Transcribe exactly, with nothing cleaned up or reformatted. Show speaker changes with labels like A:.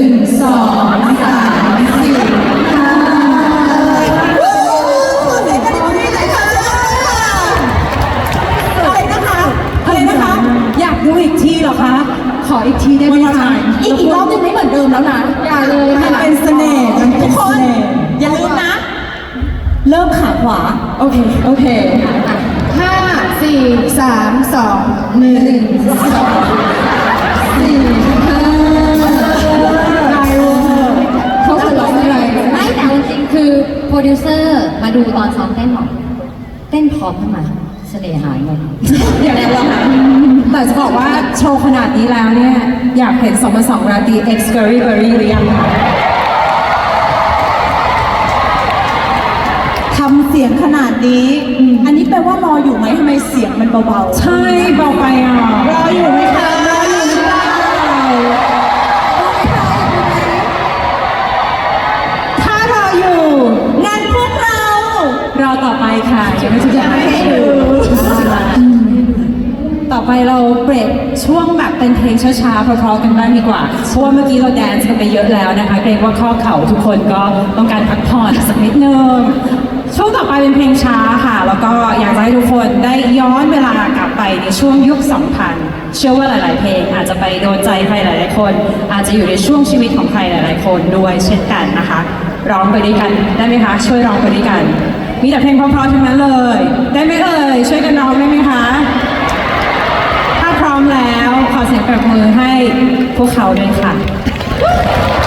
A: งสองสามสี่ห้า
B: อะไรนะคะอะไรนะคะ
A: อยากดูอีกทีเหรอคะ ขออีกทีได้ไหมคะ
B: อีกอีกรอบนึงไม่เหมือนเดิมแล้วนะ
A: อย่าเลย
B: มันเป็นเสน่ห์มันเป็นเสน่ห์อย่าลืมนะ เริ่มขาขวา
A: โอเค โอเคห้าสี่สามสองหนึ่งสองสี่ห้าเขาจะร้องอะไร
C: ไม่แต่เอาจริงๆคือโปรดิวเซอร์มาดูตอนซ้อมเต้นบอกเต้นพร้อมขึ้นมาเสน่ห์หายหมด
A: อย่างนั้นเหรอคะแต่จะบอกว่าโชว์ขนาดนี้แล้วเนี่ย อยากเห็นสองพันสองราตรี X Curry Berry หรือยังคะ
B: ทำเสียงขนาดนี้ อันนี้แปลว่ารออยู่ไหมทำไมเสียงมันเบาๆ
A: ใช่เบาไปอ่ะ
B: รออยู่ไหมคะรออยู่หรือเปล่าถ้ารออยู่งานพวกเรา
A: รอต่อไปค่ะยังไม่ถึง
B: ยังไม่ให้ดู
A: ต่อไปเราเบรกช่วงแบบเป็นเพลงช้าๆเพราะๆกันบ้างดีกว่า เพราะว่าเมื่อกี้เราแดนซ์กันไปเยอะแล้วนะคะเกรงว่าข้อเข่าทุกคนก็ต้องการพักผ่อนสักนิดนึงช่วงต่อไปเป็นเพลงช้าค่ะ แล้วก็อยากจะให้ทุกคนได้ย้อนเวลากลับไปในช่วงยุค สองพัน เชื่อว่าหลายๆเพลงอาจจะไปโดนใจใครหลายๆคน อาจจะอยู่ในช่วงชีวิตของใครหลายๆคนด้วยเช่นกันนะคะ ร้องไปด้วยกันได้ไหมคะ ช่วยร้องไปด้วยกัน มีแต่เพลงเพราะๆทั้งนั้นเลย ได้ไหมเอ่ยช่วยกันร้องได้ไหมคะ ถ้าพร้อมแล้วขอเสียงปรบมือให้พวกเขาด้วยค่ะ